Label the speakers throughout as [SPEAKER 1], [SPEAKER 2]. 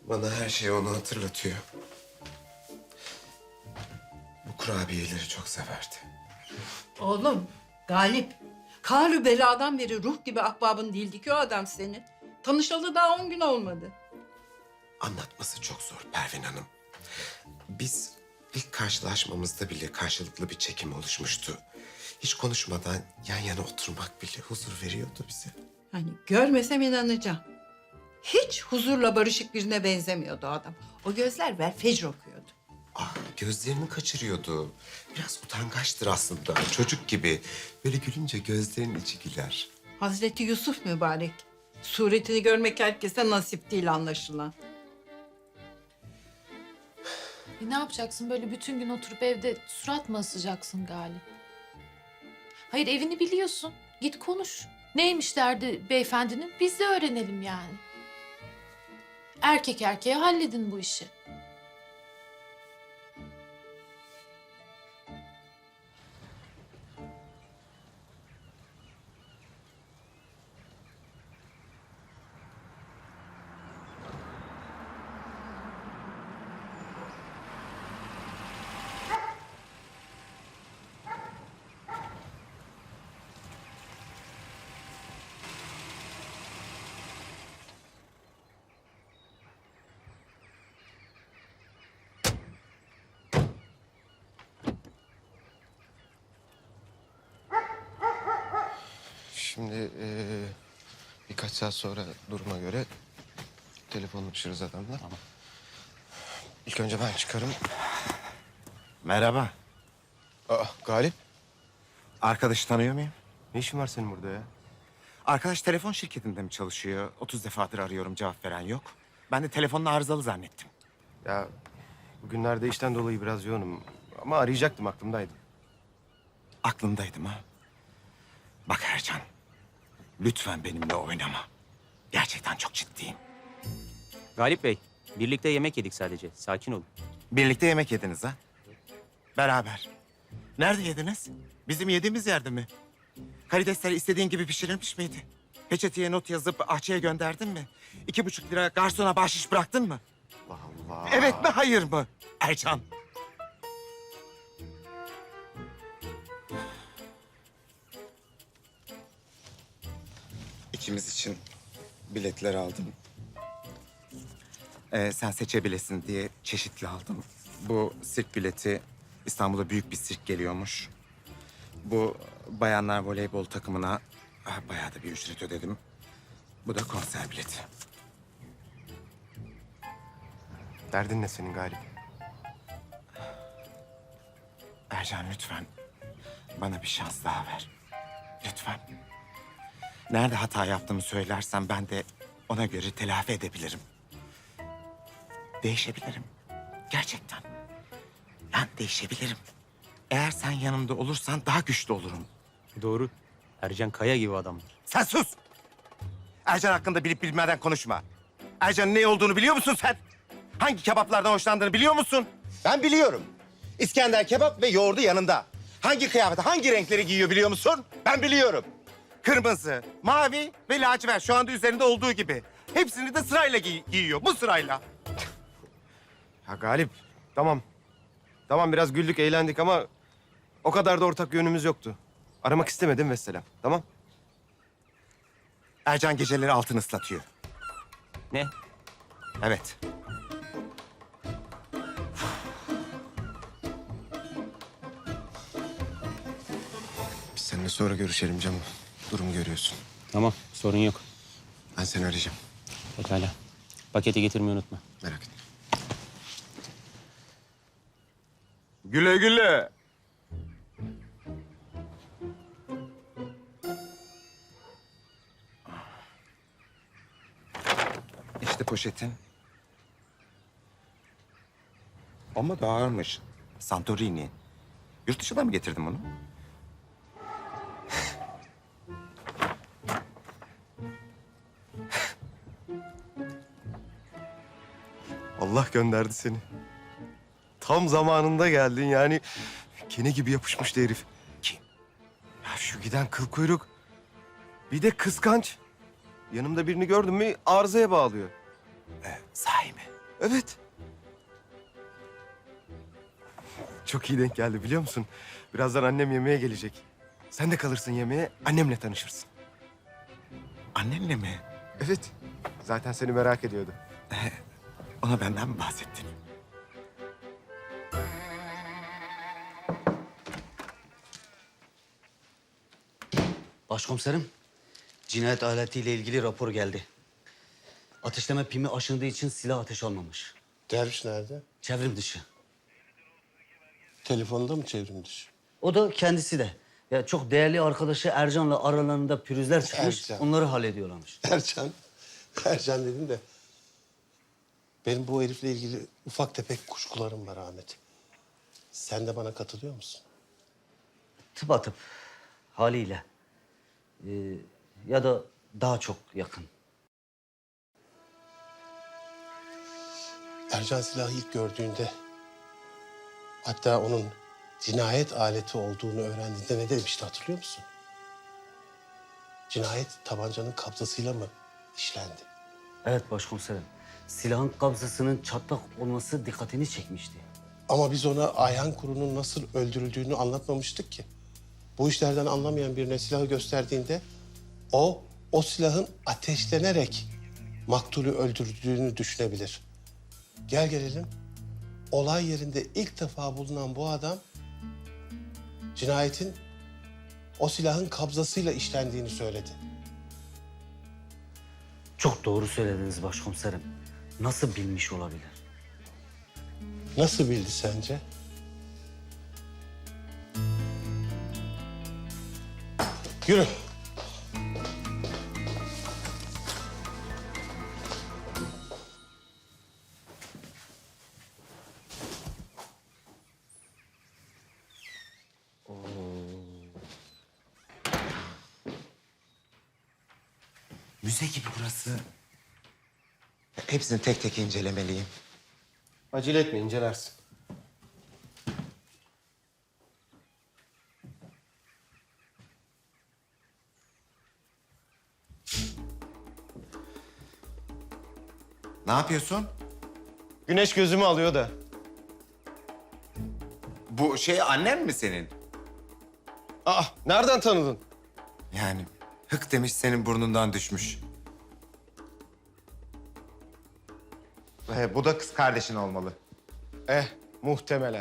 [SPEAKER 1] Bana her şey onu hatırlatıyor. Bu kurabiyeleri çok severdi.
[SPEAKER 2] Oğlum, Galip. Kalü beladan beri ruh gibi ahbabın değildi ki o adam senin. Tanışalı daha 10 gün olmadı.
[SPEAKER 1] Anlatması çok zor Pervin Hanım. Biz ilk karşılaşmamızda bile karşılıklı bir çekim oluşmuştu. Hiç konuşmadan yan yana oturmak bile huzur veriyordu bize.
[SPEAKER 2] Hani görmesem inanacağım. Hiç huzurla barışık birine benzemiyordu o adam. O gözler velfecr okuyordu.
[SPEAKER 1] Gözlerini kaçırıyordu. Biraz utangaçtır aslında. Çocuk gibi. Böyle gülünce gözlerinin içi güler.
[SPEAKER 2] Hazreti Yusuf mübarek. Suretini görmek herkese nasip değil anlaşılan.
[SPEAKER 3] Ne yapacaksın böyle bütün gün oturup evde surat mı asacaksın Galip? Hayır evini biliyorsun. Git konuş. Neymiş derdi beyefendinin? Biz de öğrenelim yani. Erkek erkeğe halledin bu işi.
[SPEAKER 1] Şimdi birkaç saat sonra duruma göre telefonlaşırız adamla. Tamam. İlk önce ben çıkarım.
[SPEAKER 4] Merhaba.
[SPEAKER 1] Galip.
[SPEAKER 4] Arkadaşı tanıyor muyum?
[SPEAKER 1] Ne işin var senin burada ya?
[SPEAKER 4] Arkadaş telefon şirketinde mi çalışıyor? 30 defadır arıyorum, cevap veren yok. Ben de telefonunu arızalı zannettim.
[SPEAKER 1] Ya bugünlerde işten dolayı biraz yoğunum. Ama arayacaktım, aklımdaydı.
[SPEAKER 4] Aklımdaydım ha. Bak Ercan, lütfen benimle oynama. Gerçekten çok ciddiyim.
[SPEAKER 5] Galip Bey, birlikte yemek yedik sadece. Sakin olun.
[SPEAKER 4] Birlikte yemek yediniz ha? Beraber. Nerede yediniz? Bizim yediğimiz yerde mi? Karidesler istediğin gibi pişirilmiş miydi? Peçeteye not yazıp ahçıya gönderdin mi? 2,5 lira garsona bahşiş bıraktın mı?
[SPEAKER 1] Allah Allah.
[SPEAKER 4] Evet mi, hayır mı? Ercan. İkimiz için biletler aldım. Sen seçebilesin diye çeşitli aldım. Bu sirk bileti, İstanbul'a büyük bir sirk geliyormuş. Bu bayanlar voleybol takımına bayağı da bir ücret ödedim. Bu da konser bileti.
[SPEAKER 1] Derdin ne senin Galip?
[SPEAKER 4] Ercan lütfen bana bir şans daha ver. Lütfen. Nerede hata yaptığımı söylersen ben de ona göre telafi edebilirim. Değişebilirim. Gerçekten. Ben değişebilirim. Eğer sen yanımda olursan daha güçlü olurum.
[SPEAKER 5] Doğru. Ercan Kaya gibi adamlar.
[SPEAKER 4] Sen sus! Ercan hakkında bilip bilmeden konuşma. Ercan'ın ne olduğunu biliyor musun sen? Hangi kebaplardan hoşlandığını biliyor musun? Ben biliyorum. İskender kebap ve yoğurdu yanında. Hangi kıyafeti, hangi renkleri giyiyor biliyor musun? Ben biliyorum. Kırmızı, mavi ve lacivert şu anda üzerinde olduğu gibi. Hepsini de sırayla giyiyor, bu sırayla.
[SPEAKER 1] Ya Galip, tamam. Tamam biraz güldük, eğlendik ama o kadar da ortak yönümüz yoktu. Aramak istemedim vesselam, tamam?
[SPEAKER 4] Ercan geceleri altını ıslatıyor.
[SPEAKER 5] Ne?
[SPEAKER 4] Evet.
[SPEAKER 1] Biz seninle sonra görüşelim canım. Durumu görüyorsun.
[SPEAKER 5] Tamam, sorun yok.
[SPEAKER 1] Ben seni arayacağım.
[SPEAKER 5] Pekala. Paketi getirmeyi unutma.
[SPEAKER 1] Merak etme.
[SPEAKER 6] Güle güle.
[SPEAKER 4] İşte poşetin. Ama da ağırmış. Santorini. Yurt dışından mı getirdin bunu?
[SPEAKER 1] Allah gönderdi seni. Tam zamanında geldin yani. Kene gibi yapışmıştı herif.
[SPEAKER 4] Kim?
[SPEAKER 1] Ya şu giden kıl kuyruk. Bir de kıskanç. Yanımda birini gördün mü arızaya bağlıyor.
[SPEAKER 4] Sahi mi? Evet. Çok iyi denk geldi biliyor musun? Birazdan annem yemeğe gelecek. Sen de kalırsın yemeğe, annemle tanışırsın.
[SPEAKER 1] Annenle mi?
[SPEAKER 4] Evet. Zaten seni merak ediyordu.
[SPEAKER 1] Ona benden mi bahsettin?
[SPEAKER 7] Başkomiserim, cinayet aletiyle ilgili rapor geldi. Ateşleme pimi aşındığı için silah ateş almamış.
[SPEAKER 8] Derviş nerede?
[SPEAKER 7] Çevrim dışı.
[SPEAKER 8] Telefonda mı çevrim dışı?
[SPEAKER 7] O da kendisi de. Ya çok değerli arkadaşı Ercan'la aralarında pürüzler çıkmış.
[SPEAKER 8] Ercan.
[SPEAKER 7] Onları hallediyorlarmış.
[SPEAKER 8] Ercan. Ercan dedim de. Benim bu herifle ilgili ufak tefek kuşkularım var Ahmet. Sen de bana katılıyor musun?
[SPEAKER 7] Tıpatıp haliyle. Ya da daha çok yakın.
[SPEAKER 8] Ercan silahı ilk gördüğünde... hatta onun cinayet aleti olduğunu öğrendiğinde ne demişti hatırlıyor musun? Cinayet tabancanın kabzasıyla mı işlendi?
[SPEAKER 7] Evet başkomiserim. Silahın kabzasının çatlak olması dikkatini çekmişti.
[SPEAKER 8] Ama biz ona Ayhan Kuru'nun nasıl öldürüldüğünü anlatmamıştık ki. Bu işlerden anlamayan birine silahı gösterdiğinde o silahın ateşlenerek maktulü öldürdüğünü düşünebilir. Gel gelelim. Olay yerinde ilk defa bulunan bu adam cinayetin o silahın kabzasıyla işlendiğini söyledi.
[SPEAKER 7] Çok doğru söylediniz başkomiserim. Nasıl bilmiş olabilir?
[SPEAKER 8] Nasıl bildi sence? Yürü.
[SPEAKER 1] Müze gibi burası. Hepsini tek tek incelemeliyim.
[SPEAKER 8] Acele etme, incelersin.
[SPEAKER 1] Ne yapıyorsun?
[SPEAKER 4] Güneş gözümü alıyor da.
[SPEAKER 1] Bu şey annen mi senin?
[SPEAKER 4] Aa, nereden tanıdın?
[SPEAKER 1] Yani hık demiş senin burnundan düşmüş. Bu da kız kardeşin olmalı.
[SPEAKER 4] Muhtemelen.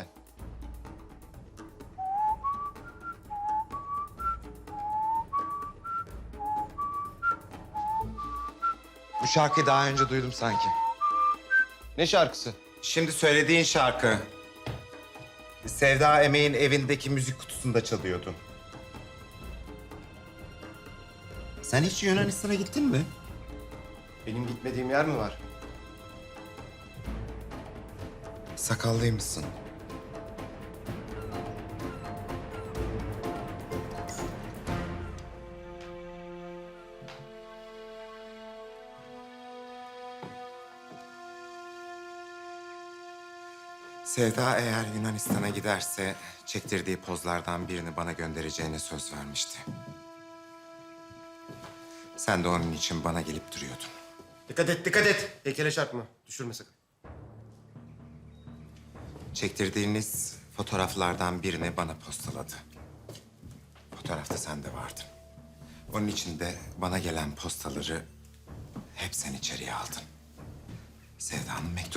[SPEAKER 1] Bu şarkıyı daha önce duydum sanki.
[SPEAKER 4] Ne şarkısı?
[SPEAKER 1] Şimdi söylediğin şarkı. Sevda Emeğin evindeki müzik kutusunda çalıyordu. Sen hiç Yunanistan'a gittin mi?
[SPEAKER 4] Benim gitmediğim yer mi var?
[SPEAKER 1] Sakallıymışsın. Sevda eğer Yunanistan'a giderse çektirdiği pozlardan birini bana göndereceğine söz vermişti. Sen de onun için bana gelip duruyordun.
[SPEAKER 4] Dikkat et, dikkat et. Heykele çarpma. Düşürme sakın.
[SPEAKER 1] Çektirdiğiniz fotoğraflardan birini bana postaladı. Fotoğrafta sen de vardın. Onun için de bana gelen postaları hep sen içeriye aldın. Sevda'nın mektubu.